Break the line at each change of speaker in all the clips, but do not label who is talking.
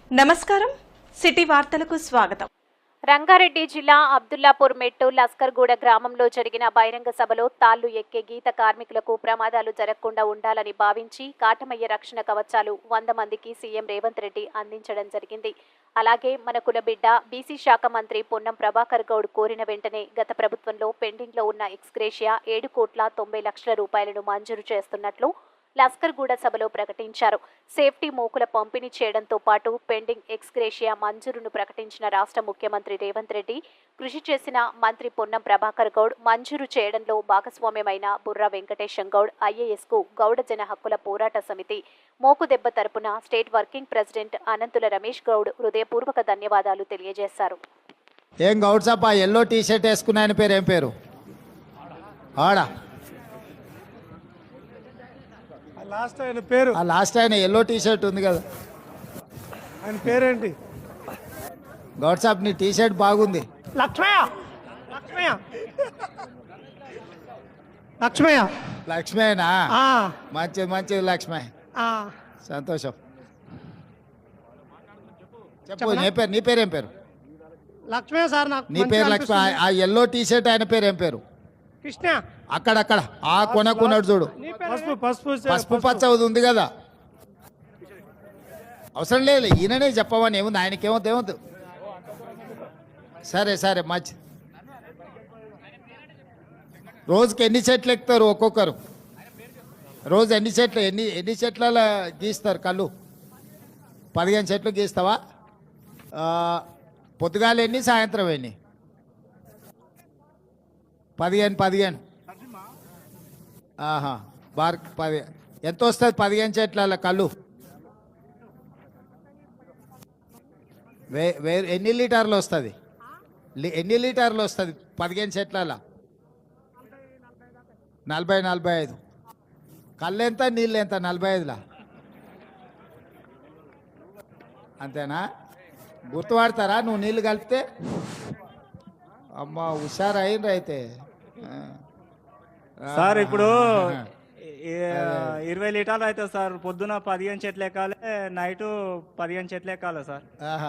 నమస్కారం. సిటీ వార్తలకు స్వాగతం.
రంగారెడ్డి జిల్లా అబ్దుల్లాపూర్ మెట్టు లస్కర్గూడ గ్రామంలో జరిగిన బహిరంగ సభలో తాళ్లు ఎక్కే గీత కార్మికులకు ప్రమాదాలు జరగకుండా ఉండాలని భావించి కాటమయ్య రక్షణ కవచాలు 100 మందికి సీఎం రేవంత్ రెడ్డి అందించడం జరిగింది. అలాగే మన కులబిడ్డ బీసీ శాఖ మంత్రి పొన్నం ప్రభాకర్ గౌడ్ కోరిన వెంటనే గత ప్రభుత్వంలో పెండింగ్లో ఉన్న ఎక్స్గ్రేషియా 7,90,00,000 రూపాయలను మంజూరు చేస్తున్నట్లు లస్కర్గూడ సభలో ప్రకటించారు. సేఫ్టీ మూకుల పంపిణీ చేయడంతో పాటు పెండింగ్ ఎక్స్గ్రేషియా మంజూరును ప్రకటించిన రాష్ట్ర ముఖ్యమంత్రి రేవంత్ రెడ్డి కృషి చేసిన మంత్రి పొన్నం ప్రభాకర్ గౌడ్ మంజూరు చేయడంలో భాగస్వామ్యమైన బుర్రా వెంకటేశం గౌడ్ ఐఏఎస్కు గౌడ జన హక్కుల పోరాట సమితి మోకుదెబ్బ తరపున state working president Ananthula Ramesh Goud హృదయపూర్వక ధన్యవాదాలు తెలియజేశారు.
ఏం గౌడ్ సాబ్, ఆ ఎల్లో టీ షర్ట్ వేసుకున్న ఆయన పేరు ఏం పేరు? ఆడా లాస్ట్ ఆయన ఎల్లో టీ షర్ట్ ఉంది కదా,
ఆయన పేరేంటి?
గౌడ్ సాబ్ నీ టీ షర్ట్ బాగుంది. లక్ష్మేనా? మంచిది మంచిది లక్ష్మే, సంతోషం. చెప్పు, నీ పేరు ఏం పేరు?
లక్ష్మయ్య సార్.
నీ పేరు లక్ష్మి. ఆ ఎల్లో టీ షర్ట్ ఆయన పేరు ఏం పేరు?
కృష్ణ.
అక్కడక్కడ ఆ కొనకున్నాడు చూడు, పసుపు పచ్చ ఉంది కదా. అవసరం లేదు, ఈయననే చెప్పమని ఏముంది, ఆయనకేమవుతుంది. సరే సరే మంచి. రోజుకి ఎన్ని చెట్లు ఎక్కుతారు ఒక్కొక్కరు? రోజు ఎన్ని చెట్ల గీస్తారు కళ్ళు? 15 చెట్లు గీస్తావా? పొద్దుగాల ఎన్ని, సాయంత్రం ఎన్ని? 15. ఆహా, 10. ఎంత వస్తుంది 15 చెట్ల కళ్ళు? ఎన్ని లీటర్లు వస్తుంది? 15 చెట్ల? 40-45. కళ్ళు ఎంత, నీళ్ళు ఎంత? 45లా? అంతేనా? గుర్తుపడతారా నువ్వు నీళ్ళు కలిపితే? అమ్మ హుషారు అయిండ్రు అయితే.
సార్ ఇప్పుడు 20 లీటర్లు అవుతుంది సార్. పొద్దున 15 చెట్లు ఎక్కాలి, నైట్ 15 చెట్లు ఎక్కాలి సార్.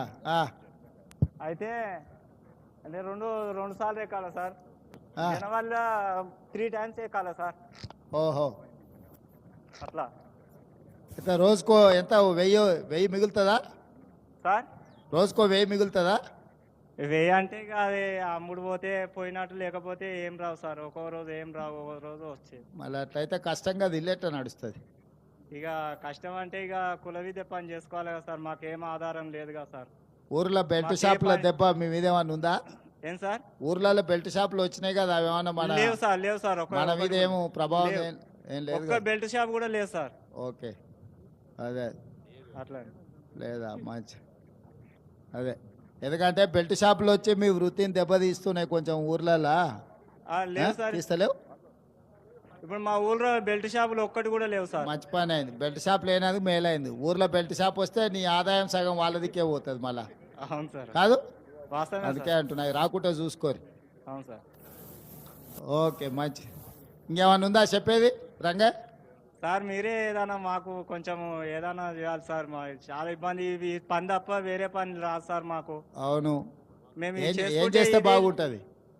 అయితే అంటే రెండు సార్లు ఎక్కాలి సార్. వల్ల 3 టైమ్స్ ఎక్కాలి సార్.
ఓహో,
అట్లా.
అయితే రోజుకో ఎంత? 1000 మిగులుతుందా
సార్?
రోజుకో 1000 మిగులుతుందా?
1000 అంటే ఇక అది అమ్ముడు పోతే పోయినట్టు, లేకపోతే ఏం రావు సార్. ఒక్కో రోజు ఏం రావు, ఒక్కో రోజు వచ్చేది.
మళ్ళీ అట్లయితే కష్టంగా దిల్లేట నడుస్తుంది.
ఇక కష్టం అంటే ఇక కుల విద్య పని చేసుకోవాలి కదా సార్. మాకేం ఆధారం లేదు కదా సార్.
ఊర్లో బెల్ట్ షాపుల దెబ్బ మీ మీద ఏమన్నా ఉందా?
ఏం సార్?
ఊర్లలో బెల్ట్ షాపులు వచ్చినాయి కదా, అవి ఏమన్నా
లేవు సార్.
మన మీద ఏమో ప్రభావం ఏం లేదు.
ఒక్క బెల్ట్ షాప్ కూడా లేదు సార్.
ఓకే, అదే
అట్లా
లేదా? మంచి. అదే, ఎందుకంటే బెల్ట్ షాపులు వచ్చి మీ వృత్తిని దెబ్బతీస్తున్నాయి కొంచెం ఊర్లలో.
లేవు సార్,
తీస్తలేవు.
ఇప్పుడు మా ఊర్లో బెల్ట్ షాపులు ఒక్కటి కూడా లేవు సార్.
మంచి పని అయింది, బెల్ట్ షాప్ లేనందుకు మేలైంది. ఊర్లో బెల్ట్ షాప్ వస్తే నీ ఆదాయం సగం వాళ్ళదికే పోతుంది మళ్ళా.
అవును సార్,
కాదు?
వాస్తవమే.
అందుకే అంటున్నాయి, రాకుంటే చూసుకోరు.
అవును సార్.
ఓకే, మంచి. ఇంకేమన్నా ఉందా చెప్పేది రంగా?
సార్ మీరే ఏదైనా మాకు కొంచెం ఏదైనా చేయాలి సార్. మా చాలా ఇబ్బంది, ఇవి పని తప్ప వేరే పని రాదు సార్ మాకు.
అవును,
మేము
ఏం చేస్తే బాగుంటుంది?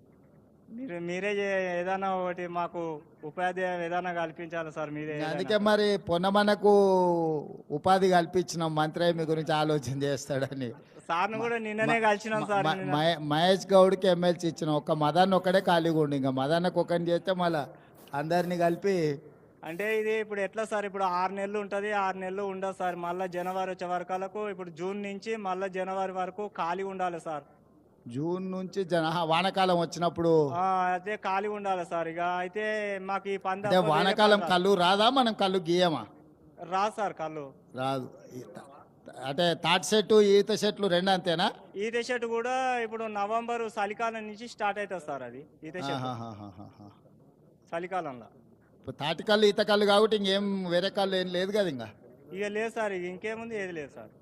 మీరే ఏదైనా ఒకటి మాకు ఉపాధి ఏదైనా కల్పించాలి సార్ మీరే.
అందుకే మరి పొన్నమనకు ఉపాధి కల్పించినాం, మంత్రి మీ గురించి ఆలోచన చేస్తాడని.
సార్ను కూడా నిన్ననే కలిసినాం సార్.
మహేష్ గౌడ్కి ఎమ్మెల్సీ ఇచ్చినాం. ఒక్క మదన్ ఒక్కడే ఖాళీగా ఉండి, ఇంకా మదన్నకు ఒకరిని చేస్తే మళ్ళీ అందరినీ కలిపి.
అంటే ఇది ఇప్పుడు ఎట్లా సార్? ఇప్పుడు 6 నెలలు ఉంటుంది, 6 నెలలు ఉండదు సార్. మళ్ళీ జనవరి వచ్చే వరకు, ఇప్పుడు జూన్ నుంచి మళ్ళీ జనవరి వరకు ఖాళీ ఉండాలి సార్.
జూన్ నుంచి వానాకాలం వచ్చినప్పుడు
అదే ఖాళీ ఉండాలి సార్. ఇక అయితే మాకు ఈ పంద
వానాకాలం కళ్ళు రాదా? మనం కళ్ళు గీయమా?
రాదు సార్, కళ్ళు
రాదు. అంటే తాటి చెట్టు, ఈత చెట్లు రెండు అంతేనా?
ఈత చెట్టు కూడా ఇప్పుడు నవంబర్ చలికాలం నుంచి స్టార్ట్ అవుతుంది సార్. అది ఈత చెట్టు చలికాలంలో.
తాటి కళ్ళు, ఈత కళ్ళు కాబట్టి ఇంకేం వేరే కళ్ళు ఏం లేదు కదా ఇంకా?
ఇక లేదు సార్, ఇంకేముంది, ఏది లేదు సార్.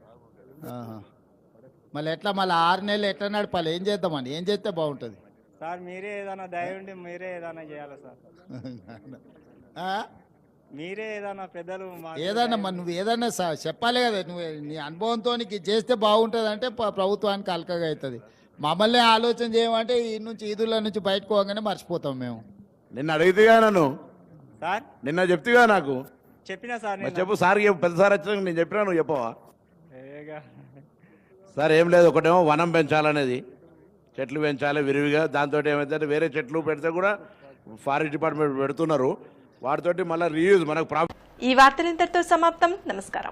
మళ్ళీ ఎట్లా? మళ్ళీ 6 నెలలు ఎట్లా నడపాలి? ఏం చేద్దామని, ఏం చేస్తే బాగుంటుంది
సార్? మీరే ఏదైనా దయ ఉండి మీరే ఏదైనా చేయాలి సార్. మీరే ఏదన్నా పెద్దలు మాకు
ఏదన్నా మరి నువ్వు ఏదన్నా చెప్పాలి కదా, నువ్వు నీ అనుభవంతో నీకు ఇది చేస్తే బాగుంటుంది అంటే ప్రభుత్వానికి అలకగా అవుతుంది. మమ్మల్ని ఆలోచన చేయమంటే ఈ నుంచి ఈదుల నుంచి బయటకు పోగానే మర్చిపోతాం మేము.
నిన్న అడిగితేగా నన్ను,
సార్
నిన్న చెప్తేగా నాకు.
చెప్పినా సార్
మరి
నేను
చెప్పు సార్, పెద్ద సార్ వచ్చినాక నేను చెప్పినా నువ్వు చెప్పవా?
ఏగా.
సార్ ఏం లేదు, ఒకటేమో వనం పెంచాలనేది, చెట్లు పెంచాలి విరివిగా. దాంతో ఏమైతే వేరే చెట్లు పెడితే కూడా ఫారెస్ట్ డిపార్ట్మెంట్ పెడుతున్నారు, వాటితోటి మళ్ళీ రీయూజ్ మనకు
ఈ వార్తలు ఇంతటితో సమాప్తం. నమస్కారం.